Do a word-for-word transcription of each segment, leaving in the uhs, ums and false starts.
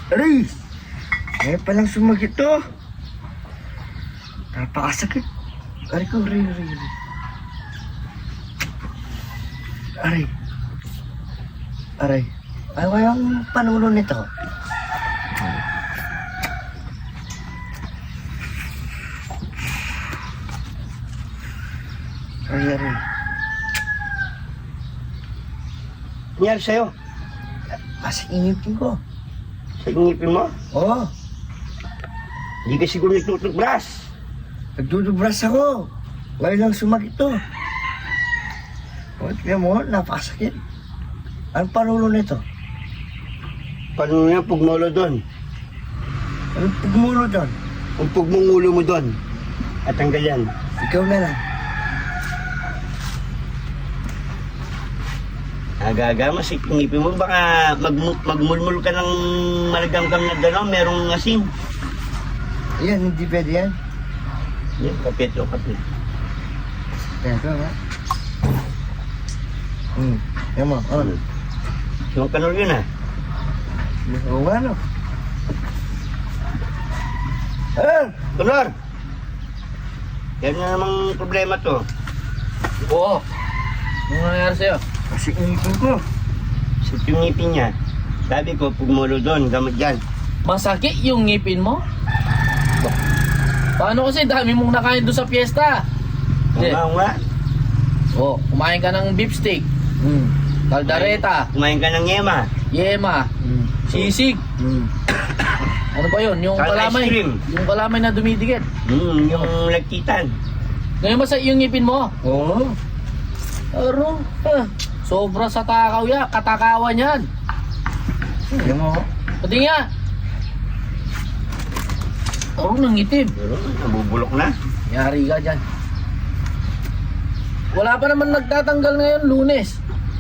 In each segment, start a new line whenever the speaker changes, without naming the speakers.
Aray! Ngayon palang sumagit to. Napakasakit. Aray ko, aray, aray, aray. Aray. Aray. Ano kayang panulo nito? Aray, aray.
Nangyari sa'yo?
Kasi inipin ko.
Sa ngipin mo?
Oo.
Hindi ka siguro nagtutubras.
Nagdudubras ako. Ngayon lang sumagit to. O, tignan mo, napakasakit. Anong panulo nito?
Paano nga pugmolo doon?
Anong pagmulo doon?
Kung pugmong ulo mo doon, at tanggal yan.
Ikaw na lang.
Aga-aga, masik ngipin mo. Baka mag magmulmul ka ng malagamgam na gano'n, merong asin.
Ayan, hindi pwede yan.
Yan, kapit o kapit.
Teka nga. Hmm, yan mo, oh.
Yung kanol yun ah.
Oo nga, no? Ah!
Kanor! Yan na namang problema to.
Oo. Ano nangyari sa'yo?
Kasi inipin ko.
Sa yung ngipin niya, sabi ko, pugmolo doon, gamot dyan.
Masakit yung ngipin mo? Paano kasi dami mong nakain doon sa piyesta?
Oo
Hindi.
nga, oo nga.
Oh, kumain ka ng beef steak,
Hmm.
kaldareta,
Kumain ka ng yema.
yema,
Hmm.
sisig.
Hmm.
Ano ba yun? Yung
Salt ice
kalamay.
cream.
Yung kalamay na dumidikit.
Hmm, yung nagkitan.
Ngayon masakit yung ngipin mo?
Oo.
Aro, ah, sobra sa takaw ya, katakawan yan.
Yan mo.
Pati nga. Aro, nangitim.
Pero nabubulok na.
Yari ka dyan. Wala pa naman nagtatanggal ngayon, Lunes.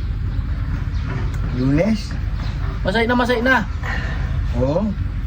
Lunes?
Masay na masay na.
Oo.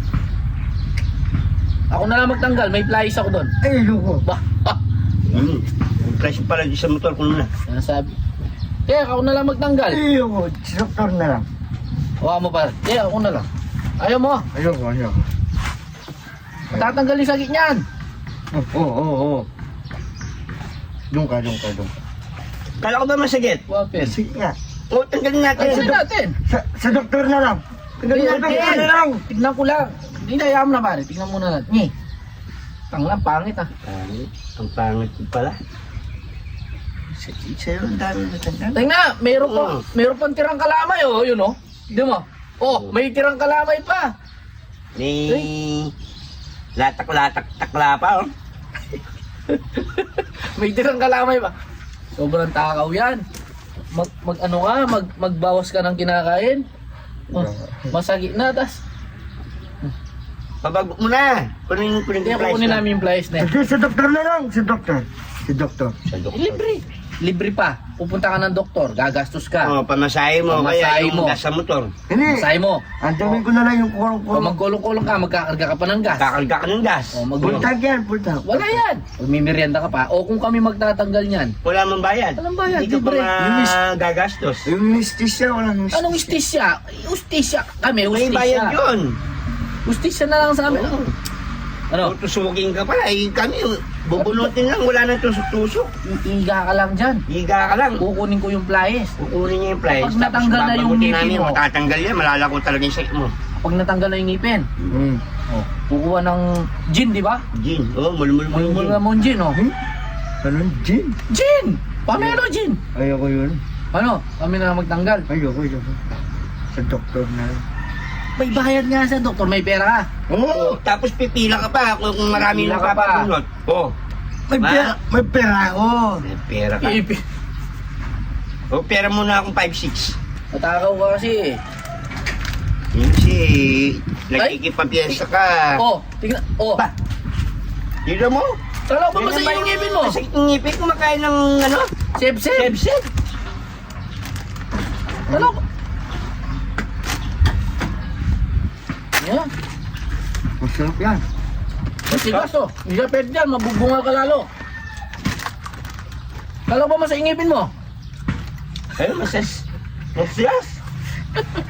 Ako na lang magtanggal, may flies ako doon.
Ay, loko.
Bah, ah,
Hmm. Yung price pala di sa motor ko na.
sinasabi. Kaya ako na lang magtanggal.
Ay, loko. Si doktor na lang.
Huwag mo pa. Kaya ako na lang. Ayaw mo.
Ayoko, ayoko.
Tatanggal yung sakit niyan.
Oo, oo, oo. Doon ka, doon ka, doon ka.
Kala ko ba masagit?
Wapin.
Sige nga.
O, tanggalin natin.
Ayun natin.
Sa, sa doktor na lang. Tignan
Ayun,
natin,
ayun.
ano lang.
Tignan ko lang. Hindi na, ayaw mo na pare. Tignan muna natin. Ngi. Tanglang, pangit ah.
Pangit. Ang pangit ko pala.
Sa- Sa'yo, ang dami na tanggal.
Tingnan, meron pa,
Oo.
meron pang tirang kalamay oh, yun oh. Di mo? Oh, may tirang kalamay pa.
Ni... Latak-latak takla pa, oh.
May tirang kalamay pa. Sobrang takaw yan. Mag, mag ano ka, mag, magbawas ka ng kinakain. Oh, masakit na, tas.
Pabago mo na. Kunin, kunin
Kaya
yung price
kukunin
na.
namin yung flies na.
Sige, sa doktor na lang. Si doktor. Si doktor.
Sa doktor.
Libre. Libre pa. Pupunta ka ng doktor, gagastos ka.
Oh, pamasahe mo.
Pamasahe
Kaya yung
mo.
gas sa motor.
Hindi.
Masay mo.
Antamin ko na lang yung
O
kulong-kulong.
magkulong-kulong ka, magkakarga ka pa ng gas.
Kakarga ka ng gas.
O mag
Pultag yan, pultag.
Wala yan. Pag may merienda ka pa, o kung kami magtatanggal niyan.
Wala mong bayad.
Walang bayad,
Hindi ka pa
libre.
magagastos.
Yung anesthesia, walang anesthesia.
Anong ustisya? Ustisya kami,
May bayad
ustisya.
yun.
Ustisya na lang sa amin.
Oo.
Ano?
Tutusukin ka pala. Eh, kami, bubunutin lang. Wala nang tusok-tusok.
Iiga ka lang dyan.
Higa ka lang.
Kukunin ko yung flyes.
Kukunin niya yung flies.
Pag natanggal na yung
babagutin
ngipin
namin,
mo.
matatanggal yan. Malalako talaga yung sakit mo.
Pag natanggal na yung ngipin,
Hmm.
oh, kukuha ng gin, di ba?
Gin. Oh, mulmul-mul
Mulmul
gin.
na mo yung gin, oh.
Hmm? Anong gin?
Gin! Pamelo gin!
Ayoko yun.
Ano? Kami na lang magtanggal.
Ayoko, ayoko. Sa doktor na lang.
May bayad nga sa doktor, may pera ka.
Oo.
Oh, tapos pipila ka pa kung kung marami
Pipila
nang
ka pa.
papapulot. Oh,
May
Ma?
pera, may pera ako.
may pera ka.
Ipi.
Oh, pera muna akong five six.
Matakaw ka kasi eh.
Kasi, nagkikipapiyesa ka.
Oh, tingnan. Oh,
Ba? Dito mo?
kala ko ba
Yan
masaya
naman
yung ngipin mo?
Masakit yung ngipin, kumakain ng ano?
Seb-seb.
Sebseb.
Kala ko. Yeah.
Masarap yan.
Matigas oh. Hindi ka pwede dyan, mabubunga ka lalo. Kala ko ba masaya yung ngipin mo?
Ayun, masas. Masas.